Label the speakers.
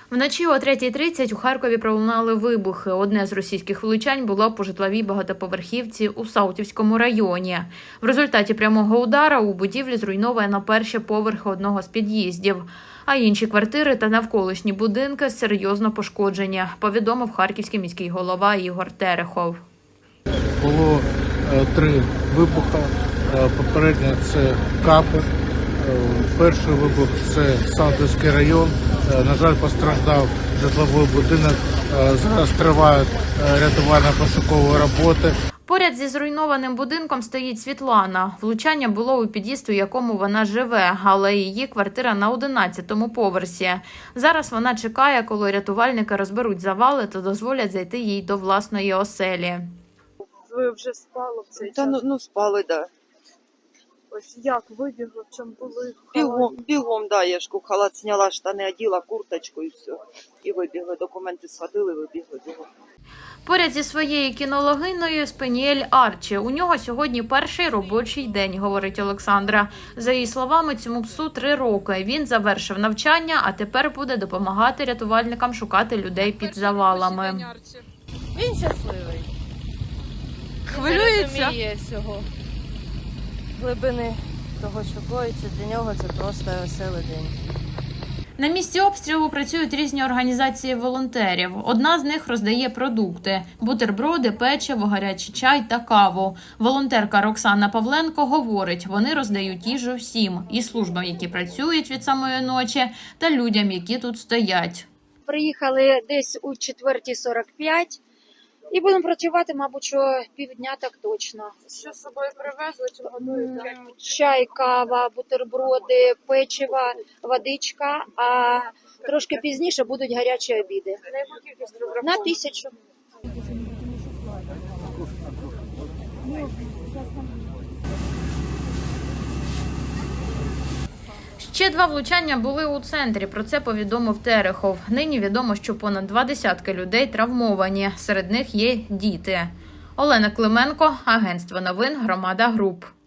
Speaker 1: Вночі о 3:30 у Харкові пролунали вибухи. Одне з російських влучань було по житловій багатоповерхівці у Саутівському районі. В результаті прямого удара у будівлі зруйновано перші поверхи одного з під'їздів, а інші квартири та навколишні будинки серйозно пошкоджені, повідомив харківський міський голова Ігор Терехов.
Speaker 2: Було 3 вибухи. Попередньо це Капи. Перший вибух – це Саутівський район. На жаль, постраждав житловий будинок. Зараз тривають рятувально-пошукові роботи.
Speaker 1: Поряд зі зруйнованим будинком стоїть Світлана. Влучання було у під'їзд, у якому вона живе, але її квартира на 11-му поверсі. Зараз вона чекає, коли рятувальники розберуть завали та дозволять зайти їй до власної оселі.
Speaker 3: Ви вже спали в цей час?
Speaker 4: Ну спали, да.
Speaker 3: Ось як вибігли, в чому були?
Speaker 4: Бігом, да, я ж халат зняла, штани оділа, курточку і все. І вибігли, документи схватили, вибігли бігом.
Speaker 1: Поряд зі своєю кінологиною Спаніель Арчі. У нього сьогодні перший робочий день, говорить Олександра. За її словами, цьому псу 3 роки. Він завершив навчання, а тепер буде допомагати рятувальникам шукати людей під завалами.
Speaker 5: Він щасливий.
Speaker 3: Хвилюється?
Speaker 5: Він розуміє всього. Глибини того, що коїться, для нього це просто веселий день.
Speaker 1: На місці обстрілу працюють різні організації волонтерів. Одна з них роздає продукти – бутерброди, печиво, гарячий чай та каву. Волонтерка Роксана Павленко говорить, вони роздають їжу всім – і службам, які працюють від самої ночі, та людям, які тут стоять.
Speaker 6: Приїхали десь у 4:45 і будемо працювати, мабуть, що півдня так точно.
Speaker 3: Що з собою привезли, чи готуєте?
Speaker 6: Чай, кава, бутерброди, печиво, водичка, а трошки пізніше будуть гарячі обіди.
Speaker 3: На яку кількість розраховуєте?
Speaker 6: На 1000.
Speaker 1: Ще 2 влучання були у центрі, про це повідомив Терехов. Нині відомо, що понад 20 людей травмовані, серед них є діти. Олена Клименко, Агентство новин «Громада Груп».